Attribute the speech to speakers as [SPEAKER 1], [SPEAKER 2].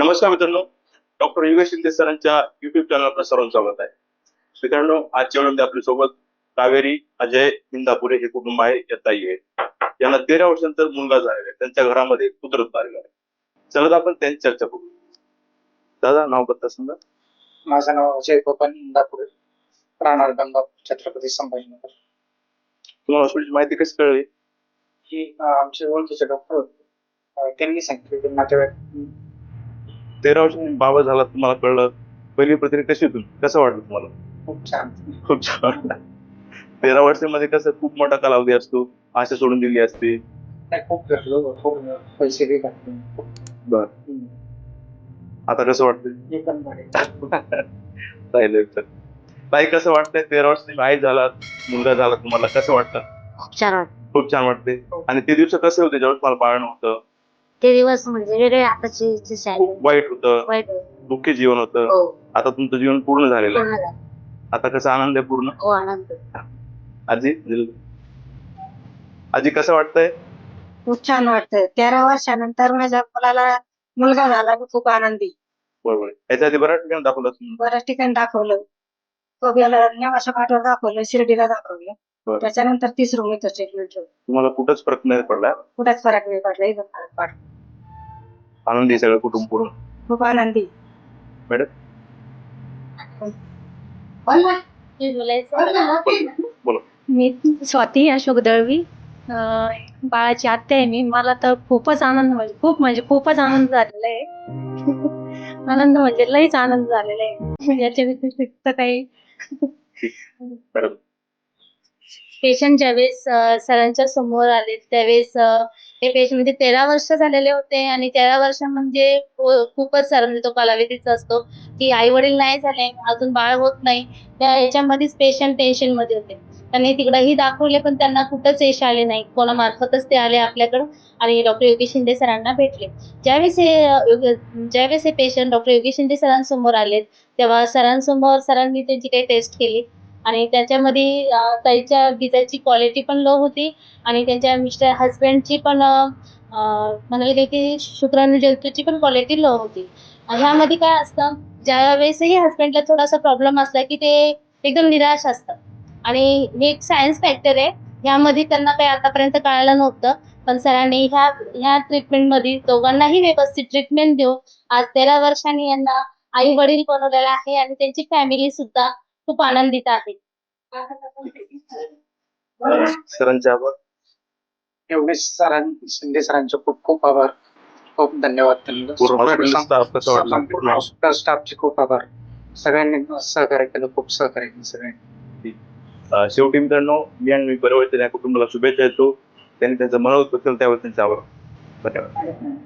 [SPEAKER 1] नमस्कार मित्रांनो, डॉक्टर योगेश शिंदे सरांच्या युट्यूब चॅनलवर सर्वांचं स्वागत आहे. मित्रांनो, आजच्या वेळेमध्ये आपल्या सोबत कावेरी, अजय, इंदापुरे हे कुटुंब आहे, या ताई आहे. यांना 13 वर्षानंतर मुलगा झालेला आहे. त्यांच्या घरामध्ये पुत्र आलेला आहे. चला तर आपण त्यांची चर्चा करू. दादा, नाव पत्ता सांगा.
[SPEAKER 2] माझं नाव अजय गोपाल इंदापुरे, राहणार गंगापूर, छत्रपती संभाजीनगर.
[SPEAKER 1] तुम्हाला हॉस्पिटलची माहिती कशी कळली?
[SPEAKER 2] ही आमचे ओळखीचे डॉक्टर होते. त्यांनी सांगितलं की नातेवाईक
[SPEAKER 1] 13 वर्षांनी बाबा झाला तुम्हाला कळलं. पहिली प्रतिक्रिया कशी होती? कसं वाटलं तुम्हाला?
[SPEAKER 2] खूप छान.
[SPEAKER 1] खूप छान वाटलं. 13 वर्षांमध्ये कसं खूप मोठा कालावधी असतो, आशा सोडून दिली असते.
[SPEAKER 2] नाही, खूप भेटलो, खूप पैसे बी घातले.
[SPEAKER 1] बर, आता कसं वाटतंय?
[SPEAKER 2] एकदम भारी.
[SPEAKER 1] राहिलं तर ताई, कसं वाटतंय? 13 वर्ष तुम्ही आई झालात, मुलगा झाला, तुम्हाला कसं वाटतं?
[SPEAKER 3] खूप छान वाटतं.
[SPEAKER 1] खूप छान वाटते. आणि ते दिवस कसे होते ज्यावेळेस मला बाळ नव्हतं?
[SPEAKER 3] ते दिवस म्हणजे वेगळे, आताचे जे शाळे
[SPEAKER 1] खूप वाईट होतं,
[SPEAKER 3] वाईट
[SPEAKER 1] दुःखी जीवन होतं.
[SPEAKER 3] हो
[SPEAKER 1] आता तुमचं जीवन पूर्ण झालेलं आहे.
[SPEAKER 3] पूर्ण झालं.
[SPEAKER 1] आता कसं आनंद आहे पूर्ण.
[SPEAKER 3] हो, आनंद.
[SPEAKER 1] आजी, आजी कसं वाटतंय?
[SPEAKER 4] खूप छान वाटतं. 13 वर्षानंतर माझ्या मुलाला मुलगा झाला, मी खूप आनंदी.
[SPEAKER 1] बरोबर आहे. याच्या आधी बऱ्याच ठिकाणी दाखवलं तुम्ही.
[SPEAKER 4] बऱ्याच ठिकाणी दाखवलं. कोब्याला नेवाशा पाठवर दाखवलं, शिर्डीला दाखवलं.
[SPEAKER 1] बरं.
[SPEAKER 4] त्याच्यानंतर 30 रूम इथं ट्रीटमेंट ठेवलं.
[SPEAKER 1] तुम्हाला कुठंच फरक नाही पडला?
[SPEAKER 4] कुठेच फरक नाही पडला, इथं फरक पडला.
[SPEAKER 1] आनंदी आहे सगळं कुटुंब पूर्ण.
[SPEAKER 4] खूप आनंदी.
[SPEAKER 1] मॅडम,
[SPEAKER 3] हे बोलायचं.
[SPEAKER 1] बोला.
[SPEAKER 5] मी स्वाती अशोक दळवी, बाळाची आत्या आहे मी. मला तर खूपच आनंद, म्हणजे खूपच आनंद झालेला आहे. आनंद म्हणजे लईच आनंद झालेला आहे. याच्या व्यतिरिक्त काही
[SPEAKER 1] मॅडम,
[SPEAKER 5] पेशंट ज्यावेळेस सरांच्या समोर आले त्यावेळेस ते पेशंट म्हणजे 13 वर्ष झालेले होते आणि 13 वर्ष म्हणजे खूपच सर म्हणजे तो कालावधीचा असतो की आई वडील नाही झाले, अजून बाळ होत नाही. त्या याच्यामध्येच पेशंट टेन्शन मध्ये होते. त्यांनी तिकडंही दाखवले पण त्यांना कुठंच यश आले नाही. कोणामार्फतच ते आले आपल्याकडं आणि डॉक्टर योगेश शिंदे सरांना भेटले. ज्यावेळेस हे पेशंट डॉक्टर योगेश शिंदे सरांसमोर आले तेव्हा सरांनी त्यांची काही टेस्ट केली आणि त्याच्यामध्ये ताईच्या गिजाची क्वालिटी पण लो होती आणि त्यांच्या हस्बंडची पण म्हणाले की शुक्राणू जंतूची पण क्वालिटी लो होती. ह्यामध्ये काय असतं, ज्यावेळेसही हस्बंडला थोडासा प्रॉब्लेम असला की ते एकदम निराश असतात आणि हे एक सायन्स फॅक्टर आहे. ह्यामध्ये त्यांना काही आतापर्यंत कळालं नव्हतं, पण सरांनी ह्या ट्रीटमेंटमध्ये दोघांनाही व्यवस्थित ट्रीटमेंट देऊन आज 13 वर्षांनी यांना आई वडील बनवलेला आहे आणि त्यांची फॅमिली सुद्धा खूप आनंदित आहे.
[SPEAKER 1] सरांचे आभार.
[SPEAKER 2] योगेश शिंदे सरांचे खूप खूप आभार. खूप धन्यवाद त्यांना.
[SPEAKER 1] पूर्ण हॉस्पिटल स्टाफ कसं वाटलं?
[SPEAKER 2] संपूर्ण हॉस्पिटल स्टाफचे खूप आभार. सगळ्यांनी सहकार्य केलं, खूप सहकार्य केलं सगळ्यांनी.
[SPEAKER 1] शेवटी मित्रांनो, मी आणि मी परिवर्तन या कुटुंबाला शुभेच्छा देतो. त्यांनी त्यांचं मनोगत केलं त्यावर त्यांचे आभार. धन्यवाद.